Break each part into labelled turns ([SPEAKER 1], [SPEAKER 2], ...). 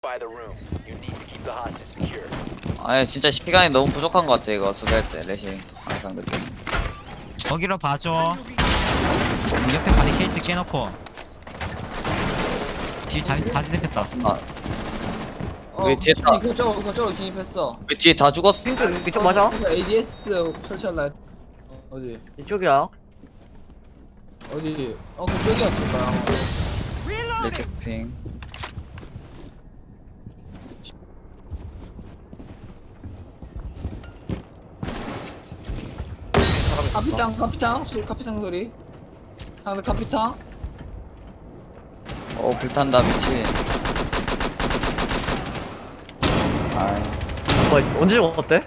[SPEAKER 1] By the room. You need to keep the hostage secure.
[SPEAKER 2] 아니 진짜 시간이 너무 부족한 것 같아 이거 수비할 때 레시 항상 그때.
[SPEAKER 3] 거기로 봐줘. 옆에 바리케이트 깨놓고 뒤에 자리 다 진입했다.
[SPEAKER 2] 아, 왜 뒤에 다-
[SPEAKER 4] 그쪽으로 진입했어.
[SPEAKER 2] 왜 뒤에 다 죽었어?
[SPEAKER 5] 이쪽 맞아?
[SPEAKER 4] ADS 설치할라 했... 어디?
[SPEAKER 5] 이쪽이야.
[SPEAKER 4] 어디? 그쪽이었을 거야.
[SPEAKER 2] 레체핑.
[SPEAKER 4] 카피탕 소리. 상대 카피탕.
[SPEAKER 2] 불탄다 미치.
[SPEAKER 5] 언제 죽었대?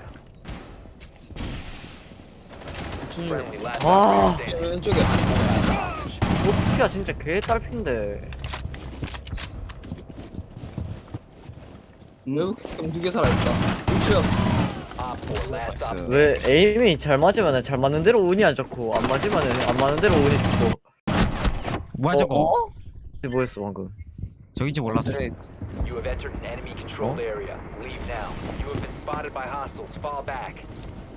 [SPEAKER 1] Friendly last
[SPEAKER 5] 와.
[SPEAKER 1] operator standing.
[SPEAKER 4] 왼쪽에.
[SPEAKER 5] 어떻게야 진짜 개 딸핀데.
[SPEAKER 4] 외국 캠 2개 살아있다. 우측.
[SPEAKER 1] Op 4 last op.
[SPEAKER 5] 왜 에임이 잘 맞으면 잘 맞는 대로 운이 안 좋고 안 맞으면 안 맞는 대로 운이 좋고.
[SPEAKER 3] 뭐야 저거?
[SPEAKER 5] 뭐였어 방금?
[SPEAKER 3] 저긴지 몰랐어.
[SPEAKER 1] You have entered an enemy controlled area. Leave now. You have been spotted by hostiles. Fall back.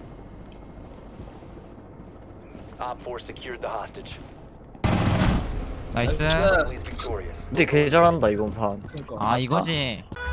[SPEAKER 1] Op 4 secured the hostage.
[SPEAKER 3] 나이스.
[SPEAKER 1] Friendly is victorious.
[SPEAKER 5] 근데 개 잘한다 이번 판.
[SPEAKER 4] 그니까.
[SPEAKER 3] 아 이거지.